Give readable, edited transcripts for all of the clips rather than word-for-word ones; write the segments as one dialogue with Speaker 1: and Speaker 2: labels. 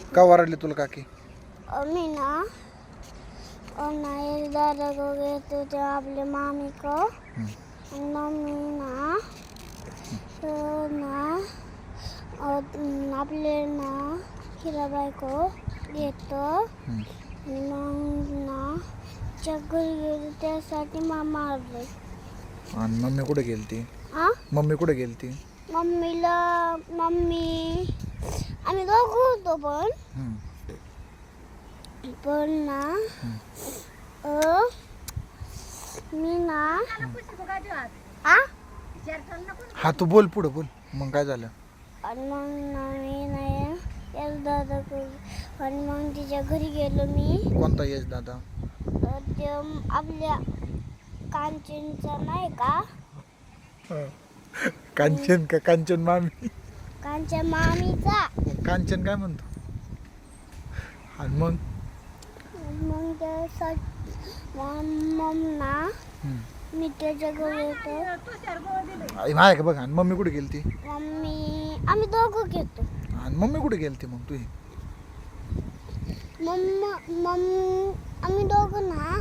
Speaker 1: का वरडली तुला काकी?
Speaker 2: मी ना एक दादा को गए थे तो आपले मामी को मम्मी ना तो ना आपले ना हिराबाई को घेतो आणि मग ना चक्कर गेली त्यासाठी मामा मारले.
Speaker 1: आणि मम्मी कुठे गेलती? मम्मी कुठे गेलती?
Speaker 2: मम्मी आम्ही दोघं होतो पण ना मी ना
Speaker 1: हा तू बोल पुढे बोल. मग काय झालं?
Speaker 2: आणि मग ना मी नाही यश दादा आणि मग तिच्या घरी गेलो मी.
Speaker 1: कोणता यश दादा?
Speaker 2: ते आपल्या कांचनचा नाही का?
Speaker 1: कांचन का कांचन मामी?
Speaker 2: कांचन मामीचा.
Speaker 1: कांचन काय म्हणतो? आणि मग
Speaker 2: ना मी त्याच्या घरी येतो.
Speaker 1: आहे का बघ. आणि मम्मी कुठे गेलती?
Speaker 2: आम्ही दोघं घेतो.
Speaker 1: आणि मम्मी कुठे गेलती मग तुझी?
Speaker 2: आम्ही दोघं ना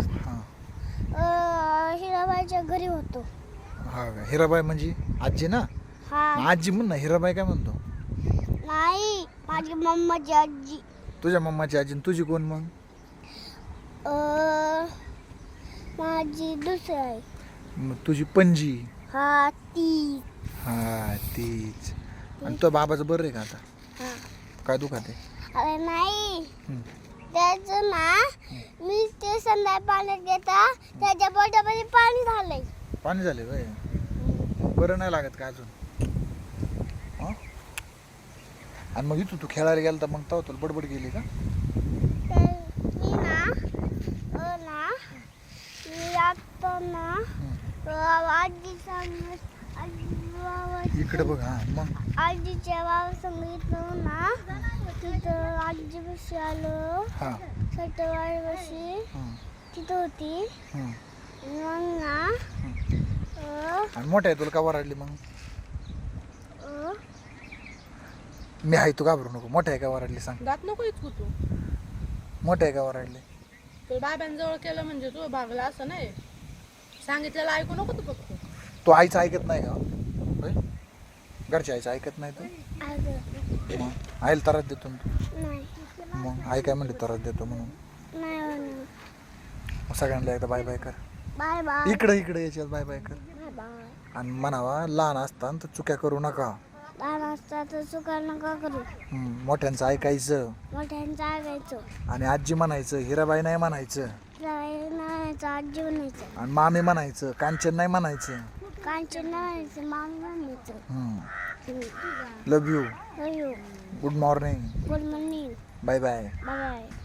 Speaker 2: हिराबाईच्या घरी होतो.
Speaker 1: हा का? हिराबाई म्हणजे आजी ना?
Speaker 2: हा
Speaker 1: आजी म्हण ना. हिराबाई काय म्हणतो?
Speaker 2: नाही माझी मम्माची आजी.
Speaker 1: तुझ्या मम्माची आजी. तुझी कोण मग?
Speaker 2: माझी दुसरी आहे.
Speaker 1: मग तुझी पणजी?
Speaker 2: हा ती.
Speaker 1: हा तीच. आणि तो बाबाचं बरं आहे का आता?
Speaker 2: हा.
Speaker 1: काय दुखाते?
Speaker 2: अरे नाही त्याचं ना मी ते संध्याकाळी पाण्यात घेता त्याच्या पोटामध्ये पाणी झालंय.
Speaker 1: पाणी झाले बाय. बरं नाही लागत का अजून? आणि मग इथं तू खेळायला गेला तर मग तेव्हा तुला बडबड गेली का?
Speaker 2: मी आता ना आजी
Speaker 1: इकडे बघ. हा मग
Speaker 2: आजीच्या बाबा सांगितलं ना तिथं आजी बशी आलो. सटवाडी बशी तिथं होती. मग ना
Speaker 1: आणि मोठ्या आहे तुला का वराडली मग? मी आहे तू घाबरू नको. मोठ्या आहे का वराडली सांग?
Speaker 3: दात नको इतकू तू.
Speaker 1: मोठ्या आहे का वराडली?
Speaker 3: तू बाबांजवळ केलं म्हणजे तू भागला असं नाही. सांगितलेलं ऐकू नको तू फक्त.
Speaker 1: तू आईचं ऐकत नाही का? होय? घरच्या आईचं ऐकत नाही तू? मग आईला त्रास देतो ना तू?
Speaker 2: नाही
Speaker 1: मग आई काय म्हणते त्रास देतो म्हणून?
Speaker 2: नाही
Speaker 1: मग सगळ्यांना एकदा बाय बाय कर.
Speaker 2: Bye bye.
Speaker 1: इकडे याच्यात बाय बाय कर.
Speaker 2: Bye bye.
Speaker 1: आणि म्हणावा लहान असताना तर चुक्या करू नका.
Speaker 2: लहान असता तर चुका नका करू.
Speaker 1: मोठ्यांचं ऐकायचं.
Speaker 2: मोठ्यांचं ऐकायचं.
Speaker 1: आणि आजी म्हणायचं. हिराबाई नाही म्हणायचं.
Speaker 2: म्हणायचं आजी म्हणायचं.
Speaker 1: आणि मामी म्हणायचं. कांचन नाही म्हणायचं.
Speaker 2: कांचन म्हणायचं. मामी म्हणायचं.
Speaker 1: Love you.
Speaker 2: Love you.
Speaker 1: Good morning.
Speaker 2: Good morning.
Speaker 1: Bye bye.
Speaker 2: Bye bye.